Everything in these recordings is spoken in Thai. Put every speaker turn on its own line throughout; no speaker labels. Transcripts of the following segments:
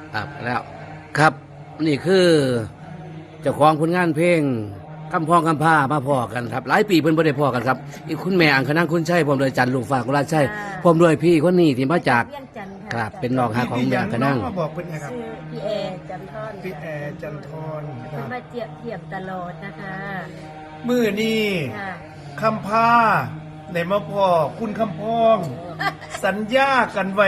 ครับแล้วครับนี่คือเจ้าของผลงานเพลงคำพ้องคำผ้ามาพอกันครับหลายปีเพิ่นบ่ได้พอกันครับอีกคุณแม่อังคณังคุณชัยพร้อมด้วยจันทร์ลูกฝากกุลาชัยพร้อมด้วยพี่คนนี้ที่มาจาก
เวียงจันทร์
ค
ค่ะ
รับเป็นน้องหาของแม่อังคณัง
มาบอกเป็นไงครับ
ชื่อพี่แอร์จันทอน
พี่แอร์จันทรค
คุณ
รับ
มาเทียบตลอดนะคะ
มือนี่
ค่ะ
คำพาในมาพ่อคุณคำพอง สัญญากันไว้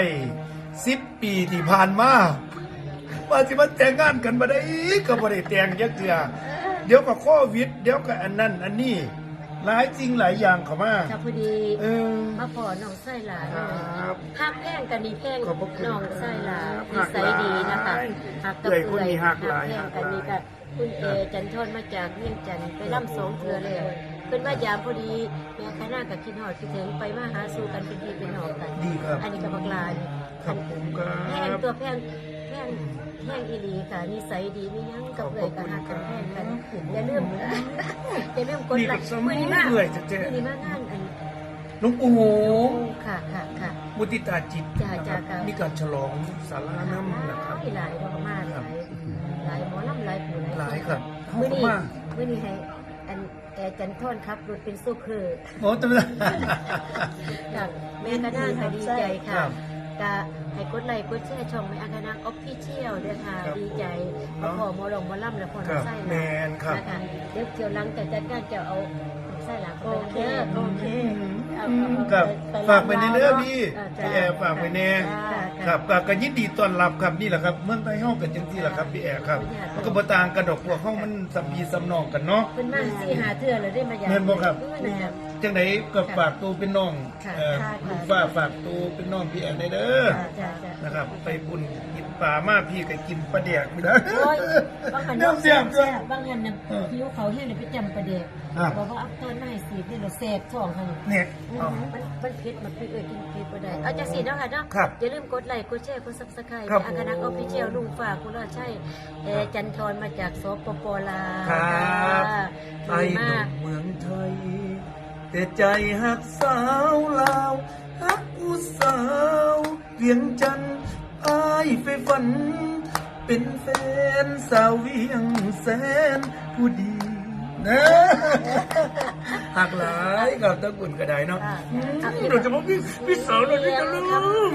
10 ปีที่ผ่านมาว่าสิมาแต่งงานกันบ่ได้ก็บ่ได้แต่งจักเทื่อเดี๋ยวก็โควิดเดี๋ยวก็อันนั้นอันนี้หลายจริงหลายอย่างเข้ามา
ค่ะพอดี
เออ
มาพอน้องไส้หลาน
ครับ
หักแย่งกันนี่แย่ง
ขอบพระคุณ
น้องไส้หลาน
ครับ
นิสัยดีนะคะหักกับ
เอื้อยคนนี้หักหลาย
แย่งกันนี่ก็คุณเอจันทอนมาจากเวียงจันทร์ไปร่ำสองเทือแล้วเป็นว่ายามพอดีแม่คณะกับคิดหอดคิดถึงไปมาหาสู่กันเป็นพี่เป็นน้องกัน
ดีครับ
อันนี้กับบักลานี่
ครับผมครั
แพง
บ
ตัวแพงอีหลีค่ะนิสัยดีไม่ยั้งกับเลยกับหักกันแพงกันอย่าลืมกด
นี่
ไล
ก็
ค์
สมัยเอื้อยจะเจอ
มือนี้มางานอัน
หลวงปู่โห
ค่ะ
มุติตาจิต
จ้า
นะครับ
จ้าครับ
มีการฉลองสาราน้ำนะครับ
หลายดอกมากหลายหมอลำหลายผู้
หลายครับ
มือนี้
มาก
มือนี้ให้อันแอร์จันทอนครับรถเป็นซูเปอร์
โอ้ตำรวจ
ค่ะแม่ก็น่าค่ะดีใจ
ครั
ค่ะ
บ
ก็ให้กดไลค์กดแชร์ช่องแม่อังคณาออฟฟิเชียลด้วยค่ะ
ครับ
ดีใจมาขอหมอลงหมอลำและพอ
ครับ
น้ำไส้
แมนครับ
นะคะเดี๋ยวเกี่ยวหลังแต่จัดการจะเอาไส้หลัง
โอเค
โอเค
ครับฝากไปในเรื่องพี่
จ้า
พี่แอร์ฝากไปแน่
จ้า
ครับก็ยินดีต้อนรับครับนี่แหละครับเมืองไทยห้องกันจังที่แหละครับพี่แอร์ครับมันก็บ่ต่างกันดอกพวกห้องมันสำพีสำนองกันเนาะ
เป็นมาสี่หาเทื่อเลยได้มาอย่าง
แม่นบ่ครับ
แม่น
จังไหนก็ฝากตัวเป็นน้อง
ค่ะ
ค่ะ ลูกฟ้าฝากตัวเป็นน้องพี่แอร์ได้เด้อ
จ้า
นะครับ ไปบุญกินปลามากพี่ก็กินปลาแดกไม่ได้
โอ้ยบางหัน
น้ำเสียบด้วย
บางหันน่ะ
เออ
ผิวเขาแห้งเลยไปจำประเด็ก
ครับ
บอกว่าเอาต้นไม้สีนี่เราแสบท้องค่ะ
เนี่ย
มันเผ็ดมันเอ้ยกินเผ็ดบ่ได้เอาจังซี่เนาะค่ะเนาะ
ครับ
อย่าลืมกดไลค์กดแชร์กด Subscribe
ครับ
อังคณะออฟฟิเชียลลุงฝากคุณราชัยจันทรมาจากสปปลาว
ครับ ไอ้
ดี
ห
มา
นุ่
ก
มเมืองไทย แต่ใจหักสาวลาวหักผู้สาวเวียงจันทร์ไอ้ไปฝัน เป็นแฟนสาวเวียงแสนผู้ดีนะหักหลายกับตะกุนก็ได้เนาะเราจะบอกพี่สาวเรานี่จะลืม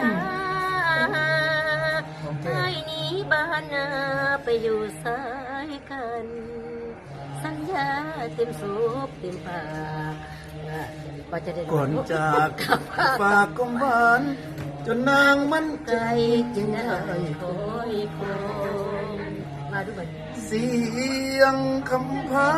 ไอ้นี้บ้านนาไปอยู่สายกัน สัญญาเต็มสูบเต็มปากก็จะได้
ก่อนจากฝากกำหวานจนนางมั่นใจ
ใจ
จึ
จึ
ง
ง
ได้
ได้คอยคงมาดูมัน
เสียงคำพา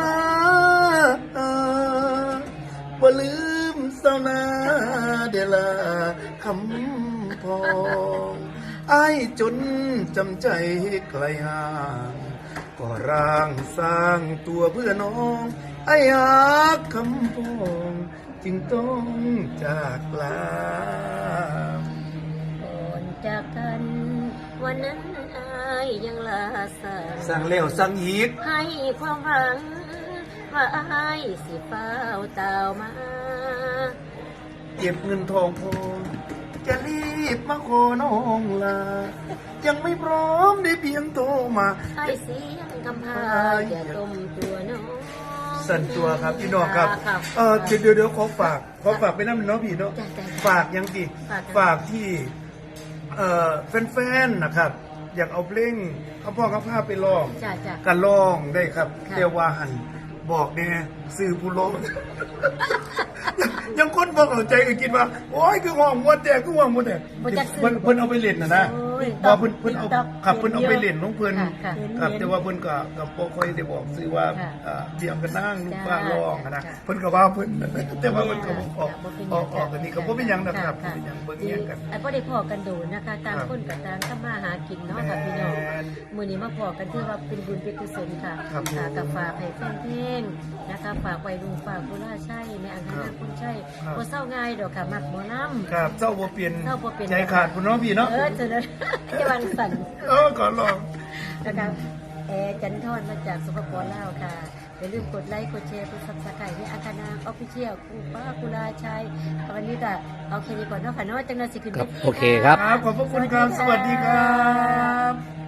บ่ลืมเศร้านาเดลาคำพองไอ้ายจนจำใจไกลห่างก็ร่างสร้างตัวเพื่อน้องไอ้หักคำพองจึงต้องจากลา
ก่อนจากกัน วันนั้นอายยังลาสั่
สั่งแล้วสั่งอีก
ให้ความหวัง ว่าอายสิเฝ้าเต่ามา
เก็บเงินทองพอจะรีบมาขอน้องลา ยังไม่พร้อมได้เพียงโทรมา
ให้เสียงคำพาอย่าต้มตัวน้อง
สั่นตัวครับพี่น้องครับ
ครับ
เดี๋ยวขอฝากไปน้ำเน้องพี่เนาะ
จ้ะ
ฝากยังสิ
ฝาก
ที่แฟนๆนะครับ อยากเอาเพลงเขาพ่อเขาพาไปร้อง
จ้ะ
กันร้องได้ครับ
ค่ะ
เทวาหันบอกแน่สื่อผู้ร้อง ยังคนบอกเอาใจก็คิดว่าโอ้ยคือห่วงมดแต่คือห่วงมดแต่
บ่จักซื้อ
เพิ่นเอาไปเล่นนะ
โอ้ย
ว่าเพิ่นเอา
TikTok
ครับเพิ่นเอาไปเล่นน้องเพิ่น
ค่ะ
ครับแต่ว่าเพิ่นก็บ่ค่อยได้บอกซื้อว่า
ค่ะ
เดี่ยงกันนั่งลูก
จ้า
ฟ้าร้องนะ
จ้า
เพิ่นก็ว่าเพิ่น แต่ว่าเพิ่นก็บ่ออก
บ่เป็นห
อ
ยัง
อกออกกันนี่ก็บ่เป็นหยังนะครับบ่
ค่ะ
เป็นหยังเบิ่งแย่งกัน
ไอ้พ่อได้พอกันดูนะคะต่าง
ครับ
คนกับต่างทำมาหากินเนาะค่ะพี่น้อง
แม่น
มื้อนี้มาพอกันถือว่าเป็นบุญเป็นกุศลค่ะ
ครับ
ค่ะกับฝากให้แฟนเพลงนะคะฝากไว้ลุงฝากกุล่าใช่แม่อังคณาคุณใช่
ครับ
บ่เศร้าง่ายดอกค่ะมักหมอลำ
ครับเจ้าบ่เปลี่ยน
เจ้าบ่เปลี่ยน
ใจขาดพุ่นเนาะพี่เนาะ
เจอแล้วจะวันสั่น
ก่อนลอง
นะคะจันทอนมาจากสปปลาวค่ะอย่าลืมกดไลค์กดแชร์กดซับสไครต์ให้อังคณาออฟฟิเชียลคุณป้ากุลาชัยวันนี้ก็เอาแค่นี้ก่อนเนาะค่ะเนาะจังนั้นสิขึ้น
ครับ
วที
โอเคครับ
ครับขอบพระคุณครับสวัสดีครับ